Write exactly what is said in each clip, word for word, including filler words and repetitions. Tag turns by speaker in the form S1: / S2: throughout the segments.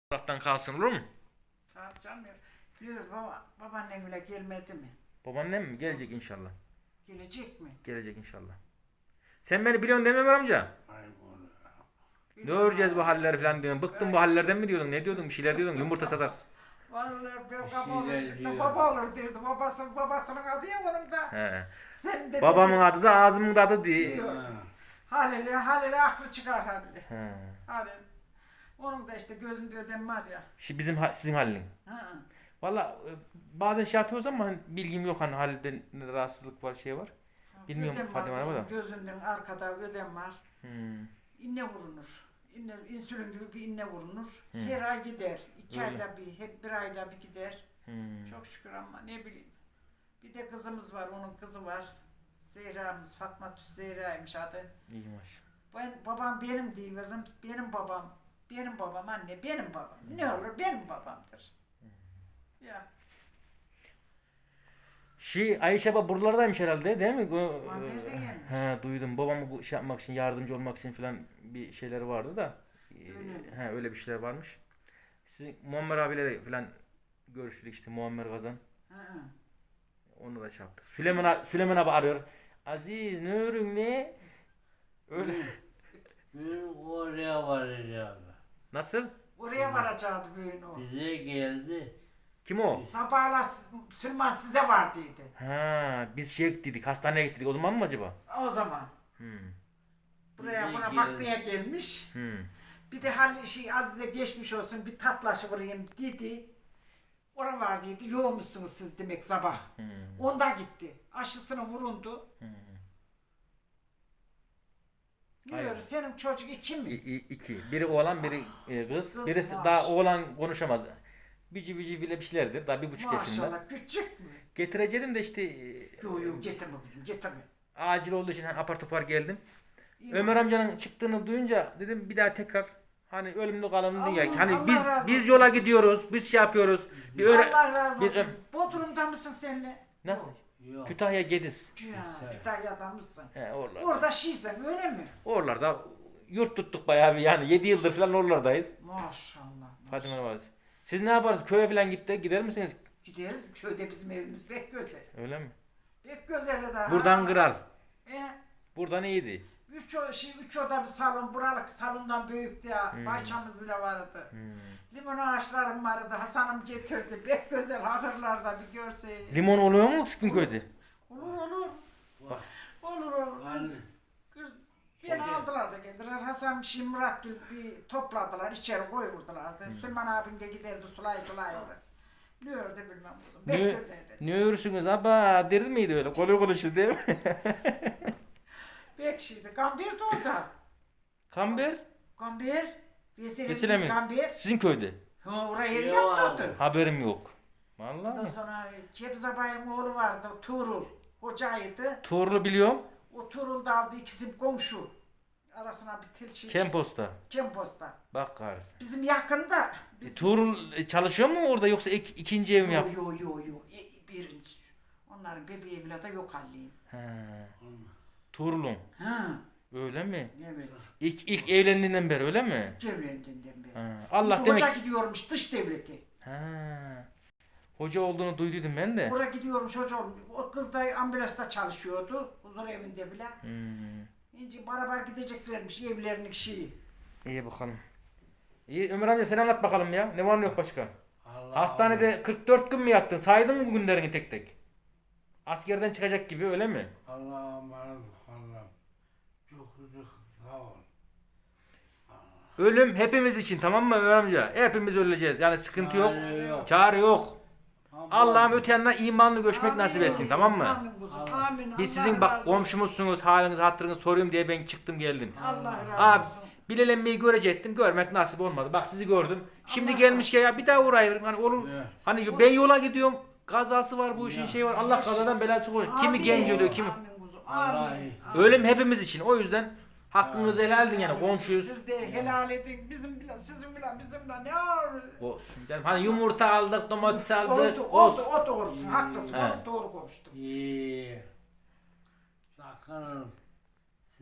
S1: Taraftan kalsın olur mu?
S2: Tamam canım ya. Diyor baba, babaannen bile gelmedi mi?
S1: Babaannem mi? Gelecek inşallah.
S2: Gelecek mi?
S1: Gelecek inşallah. Sen beni biliyorsun değil mi Ömer amca? Ne öreceğiz bu halleri falan diyorsun. Bıktım bu hallerden mi diyordun? Ne diyordun? Bir şeyler diyordun. Yumurta satar.
S2: Vallahi ben baba
S3: şeyler
S2: olur çıktı,
S3: diyor.
S2: baba olur derdi. Babası, babasının adı ya onun da.
S1: He.
S2: Sen de
S1: Babamın
S2: dedi,
S1: adı da ağzımın da adı diye.
S2: diyor. Halil'e, Halil'e aklı çıkar Halil'e.
S1: He.
S2: Halil. Onun da işte gözünde ödem var ya.
S1: Şimdi bizim ha- sizin halin.
S2: Ha.
S1: Valla e, bazen şey yapıyoruz ama hani bilgim yok hani halde ne rahatsızlık var şey var. Bilmiyorum
S2: Ödem var
S1: Fadime Hanım'a da.
S2: kuzum, gözünden arkada ödem var.
S1: Hmm.
S2: İnne vurunur. İnne, insülin gibi bir inne vurunur.
S1: Hı.
S2: Her ay gider. İki
S1: Öyle.
S2: ayda bir, hep bir ayda bir gider.
S1: Hmm.
S2: Çok şükür ama ne bileyim. Bir de kızımız var, onun kızı var. Zehra'mız, Fatma Tüs Zehra'ymış adı.
S1: İyi maş.
S2: Ben, babam benim diyorum, benim babam, benim babam anne, benim babam. Ne olur benim babamdır. Ya,
S1: Şey Ayşe baba buralardaymış herhalde değil mi? O,
S2: Babam nerede gelmiş?
S1: He duydum. Babamı bu şey yapmak için yardımcı olmak için falan bir şeyleri vardı da. Ee,
S2: Öyle mi?
S1: He öyle bir şeyler varmış. Sizin Muammer abiyle de falan görüştük işte Muammer Kazan.
S2: hı hı.
S1: Onu da şey yaptık. Süleyman abi, Süleyman abi arıyor. Aziz ne örün ne? Öyle.
S3: Benim oraya varacağım.
S1: Nasıl?
S2: Oraya varacaktı bugün o.
S3: Bize geldi.
S1: Kim o?
S2: Sabahla Süleyman size var dedi.
S1: Ha, biz şey gittik, hastaneye gittik. O zaman mı acaba?
S2: O zaman.
S1: Hmm.
S2: Buraya
S3: Bize
S2: buna
S3: geldi.
S2: bakmaya gelmiş.
S1: Hmm.
S2: Bir de hani şey Azize geçmiş olsun bir tatlaşı vurayım dedi. Ora var dedi. Yoğmuşsunuz siz demek sabah.
S1: Hmm.
S2: Onda gitti. Aşısına vurundu.
S1: Hmm.
S2: Ne
S1: Aynen.
S2: öyle senin çocuk iki
S1: İ-
S2: mi?
S1: i- iki. Biri oğlan, biri e, kız.
S2: Kız
S1: Birisi
S2: maaş.
S1: daha oğlan konuşamaz. Bici bici bile bir şeylerdir. Daha bir buçuk yaşında.
S2: Maşallah küçük mü?
S1: Getireceğim de işte e,
S2: Yok yok getirme kuzum getirme.
S1: acil olduğu için hani apar topar geldim.
S2: İyi
S1: Ömer
S2: bak.
S1: amcanın çıktığını duyunca dedim bir daha tekrar hani ölümlü kalımlı
S2: Allah-
S1: dünya. Hani
S2: Allah
S1: biz
S2: razı
S1: biz
S2: olsun.
S1: yola gidiyoruz. Biz şey yapıyoruz. Bir öyle
S2: Allah razı
S1: biz
S2: olsun.
S1: ö-
S2: Bodrum'da mısın senle?
S1: nasıl?
S3: Yok.
S1: Kütahya Gediz.
S2: Ya,
S3: Güzel.
S2: Kütahya'da mısın?
S1: He oralarda.
S2: Orada şişsen öyle mi?
S1: Oralarda yurt tuttuk bayağı bir yani yedi yıldır falan oralardayız.
S2: Maşallah.
S1: Fatime
S2: maşallah.
S1: Hanım. Siz ne yaparsınız? Köye falan gitti. Gider misiniz?
S2: Gideriz köyde bizim evimiz pek güzel.
S1: Öyle mi?
S2: Pek güzel daha.
S1: Buradan kral.
S2: E,
S1: Buradan iyiydi.
S2: üç, o- şey, üç oda bir salon, buralık salondan büyüktü ya.
S1: Hmm.
S2: Bahçemiz bile vardı.
S1: Hmm.
S2: Limon ağaçlarım vardı. Hasan'ım getirdi. Pek güzel ahırlarda bir görseydin.
S1: Limon oluyor mu sizin köyde?
S2: Olur olur.
S3: Var.
S2: Olur olur.
S3: Anne.
S2: Kız, beni
S3: Hoca-
S2: aldılar da geldiler. Hasan Şimrat bir topladılar. içeri koyvurdular.
S1: Hmm.
S2: Süleyman abim de giderdi sulay sulay oraya. Ne ördü bilmem kızım. Pek
S1: Ne,
S2: güzeldi.
S1: ne örürsünüz abi? Derdi miydi öyle? Kolu konuştu değil mi?
S2: Pek şeydi. Gambir de orada.
S1: Kamber?
S2: Gambir. Vesile
S1: Vesile mi?
S2: Gambir.
S1: Sizin köyde.
S2: Ha, oraya ev
S3: Yok
S2: yaptırdı.
S1: Haberim yok.
S2: Ondan
S1: Vallahi.
S2: sonra Cebiz abayın oğlu vardı. Tuğrul. Hocaydı.
S1: Tuğrulu biliyorum.
S2: O Tuğrul da aldı ikisi komşu. Arasına bir tel şey.
S1: Kempos'ta.
S2: Kempos'ta.
S1: Bak kahretsin.
S2: Bizim yakında.
S1: E,
S2: Biz...
S1: Tuğrul e, çalışıyor mu orada yoksa ik- ikinci ev mi yap?
S2: Yo yo yo yo. E, birinci. Onların bebeği evladı yok halliyim.
S1: He. Tuğrul'un.
S2: Ha.
S1: Öyle mi?
S2: Evet.
S1: İlk, ilk evlendiğinden beri öyle mi?
S2: Evlendiğinden beri.
S1: Ha. Allah
S2: Hoca
S1: demek.
S2: Hoca gidiyormuş dış devleti.
S1: Ha. Hoca olduğunu duyduydum ben de.
S2: Oraya gidiyormuş hoca olmuş. O kız da ambulansta çalışıyordu. Huzur evinde bile.
S1: Hmm.
S2: İnce beraber gideceklermiş evlerinin şeyi.
S1: İyi bakalım. İyi Ömer amca sen anlat bakalım ya. Ne var ne yok başka?
S3: Allah
S1: Hastanede kırk dört gün mü yattın? Saydın mı bu günlerini tek tek? Askerden çıkacak gibi öyle mi?
S3: Allah'a emanet Allah'ım. Çok çok sağ ol.
S1: Ölüm hepimiz için tamam mı Ömer amca? Hepimiz öleceğiz. Yani sıkıntı yok.
S3: Çare yok.
S1: Çare yok.
S3: Tamam.
S1: Allah'ım öte yanına imanlı göçmek
S2: Amin.
S1: nasip etsin tamam mı?
S2: Amin kuzum. Amin.
S1: Biz
S2: Allah
S1: sizin
S2: razı
S1: bak
S2: olsun.
S1: komşumuzsunuz, haliniz hatırınız soruyorum diye ben çıktım geldim.
S2: Allah razı
S1: Abi
S2: olsun.
S1: bilelenmeyi görecektim. Görmek nasip olmadı. Bak sizi gördüm. Şimdi
S2: Allah
S1: gelmişken ya bir daha uğrayırım. Hani olur.
S3: Evet.
S1: Hani ben yola gidiyorum. Kazası var bu işin
S3: Ya.
S1: şeyi var. Allah kazadan belası korusun. Kimi
S2: Amin.
S1: genç ölüyor kimi.
S2: Amin kuzum.
S3: Allah
S2: Amin.
S3: iyi.
S2: Amin.
S1: Ölüm hepimiz için. O yüzden hakkınızı helal edin yani komşuyuz.
S2: Siz de helal edin. Bizim bile, sizin bile, bizim bile ne var?
S1: Olsun canım. Hani yumurta aldık, domates aldık.
S2: Oldu, oldu,
S1: Olsun.
S2: o doğrusun. Haklısın.
S1: He.
S2: Onu doğru konuştun.
S3: İyi. Sakınırım.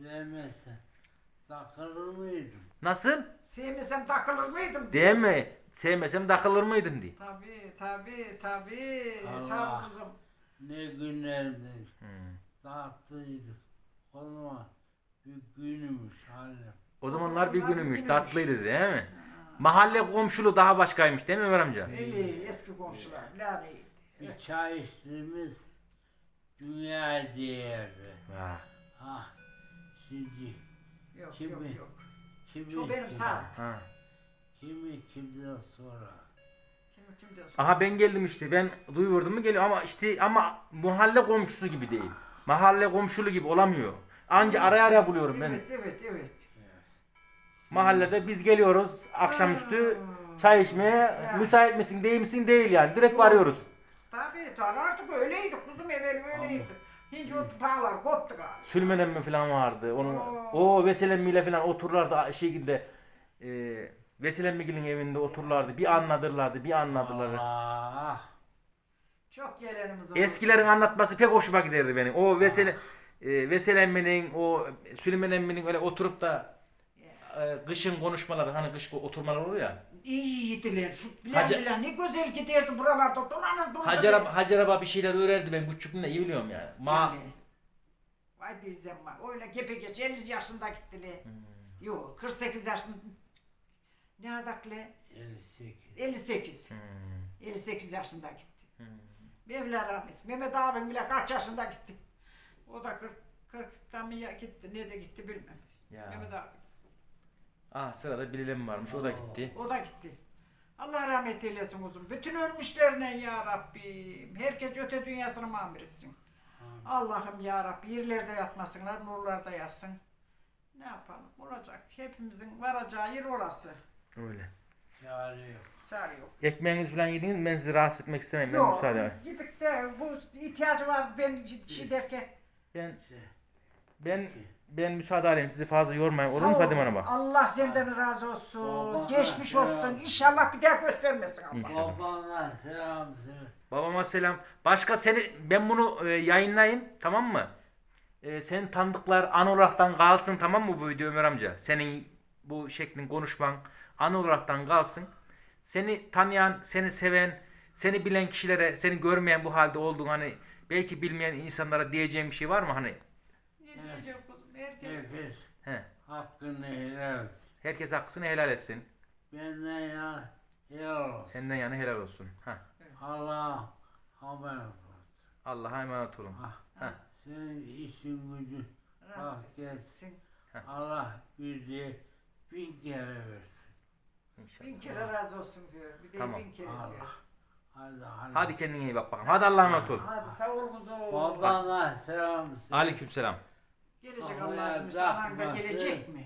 S3: Sevmezsen. Sakınır mıydım?
S1: Nasıl?
S2: Sevmesem takılır mıydım?
S1: Değil mi? sevmesem takılır mıydım diye.
S2: Tabii tabii tabii.
S3: Allah.
S2: Tabii kuzum.
S3: Ne günlerdi.
S1: Hmm.
S3: Tatlıydık. O zaman bir günümüz halim.
S1: O zamanlar bir
S2: Onlar bir
S1: günümüş,
S2: günümüş.
S1: tatlıydı değil mi? Mahalle komşuluğu daha başkaymış değil mi Ömer amca?
S2: Eli eski komşular. Laneydi.
S3: Bir çay içtiğimiz dünya değerdi.
S1: Ha.
S3: Ha, şimdi
S2: Yok
S3: Kimi?
S2: yok yok.
S3: kimi
S2: Şu benim
S3: kimi-
S2: saat.
S1: Ha.
S3: Kimi kimden sonra.
S2: Kim kim diyorsun?
S1: Aha ben geldim işte. Ben duyuyordum mu geliyor ama işte ama mahalle komşusu gibi değil. Mahalle komşulu gibi olamıyor. Anca araya araya buluyorum ben.
S2: Evet evet evet.
S1: Mahallede biz geliyoruz akşamüstü
S2: Hmm.
S1: çay içmeye.
S2: Ya.
S1: Müsait misin değil misin değil yani. Direkt
S2: Yok.
S1: varıyoruz.
S2: Tabii tabii artık öyleydi kuzum evvel öyleydi. Hiç o bağlar koptu galiba.
S1: Sülmen emmi falan vardı. Onun
S2: Oo.
S1: o Vesel emmiyle falan otururlardı şekilde. E, Vesel emmigilin evinde otururlardı. Bir anladırlardı, bir anladılar.
S3: Allah.
S2: Çok gelenimiz oldu.
S1: Eskilerin anlatması pek hoşuma giderdi benim. O Vesel e, Vesel emminin, o Süleyman emminin öyle oturup da e, kışın konuşmaları, hani kış oturmalar olur ya.
S2: İyiydiler. Şu bilen
S1: Hacı-
S2: bilen ne güzel giderdi buralarda dolanır dururdu.
S1: Hacer abla, Hacer abla bir şeyler öğrendi ben küçüklüğümde iyi biliyorum yani. Ma
S2: Yani. Vay diyeceğim bak. Öyle gepe geç elli yaşında gittiler.
S1: Hmm.
S2: Yok kırk sekiz yaşında. Ne adaklı?
S3: elli sekiz.
S2: elli sekiz.
S1: Hmm.
S2: elli sekiz yaşında gitti.
S1: Hmm.
S2: Mevla rahmet. Mehmet abim bile kaç yaşında gitti. O da kırk kırktan mı ya gitti. Ne de gitti bilmem.
S1: Ya.
S2: Mehmet abi.
S1: Ah sırada Bilal varmış o da gitti.
S2: O da gitti. Allah rahmet eylesin uzun. Bütün ölmüşlerine ya Rabbim. Herkes öte dünyasına mamur etsin. Allah'ım ya Rabbi yerlerde yatmasınlar, nurlarda yatsın. Ne yapalım? Olacak. Hepimizin varacağı yer orası.
S1: Öyle.
S3: Çare yok.
S2: Çare yok.
S1: Ekmeğinizi falan yediniz mi? Ben sizi rahatsız etmek istemem. Ben
S2: Yok.
S1: müsaade.
S2: Gidip de bu ihtiyacı vardı ben şey derken.
S1: Ben
S3: Şey,
S1: ben ben müsaade alayım sizi fazla yormayın. Olur
S2: Sağ
S1: mu
S2: ol.
S1: Fadime Hanım'a?
S2: Allah senden razı olsun.
S3: Baba,
S2: Geçmiş
S3: ya.
S2: olsun. İnşallah bir daha göstermesin Allah.
S1: İnşallah.
S3: babana selam söyle.
S1: Babama selam. Başka seni ben bunu e, yayınlayayım tamam mı? E, senin tanıdıklar an olaraktan kalsın tamam mı bu video Ömer amca? Senin bu şeklin konuşman an olaraktan kalsın. Seni tanıyan, seni seven, seni bilen kişilere, seni görmeyen bu halde olduğunu hani belki bilmeyen insanlara diyeceğim bir şey var mı hani?
S2: Ne diyeceğim kuzum? Herkes.
S3: Herkes
S1: He.
S3: hakkını helal etsin.
S1: Herkes hakkını helal etsin.
S3: Benden ya helal olsun.
S1: Senden yana helal olsun. Ha.
S3: Allah haber olsun.
S1: Allah'a emanet olun.
S3: Ha,
S1: Ha.
S3: senin işin gücün
S2: Razı
S3: rast gelsin.
S2: etsin.
S3: Allah yüzeye bin kere versin.
S1: İnşallah.
S2: Bin kere razı olsun diyor. Bir de
S1: Tamam.
S2: bin kere
S3: Allah.
S2: diyor.
S3: Hadi hadi.
S1: Hadi kendine iyi bak bakalım. Hadi Allah'a emanet ol.
S2: Hadi sağ ol kuzum.
S3: Babana selam söyle.
S1: Aleykümselam.
S2: Gelecek
S3: Allah'a
S2: Allah'ın
S3: da-
S2: anan da gelecek mi?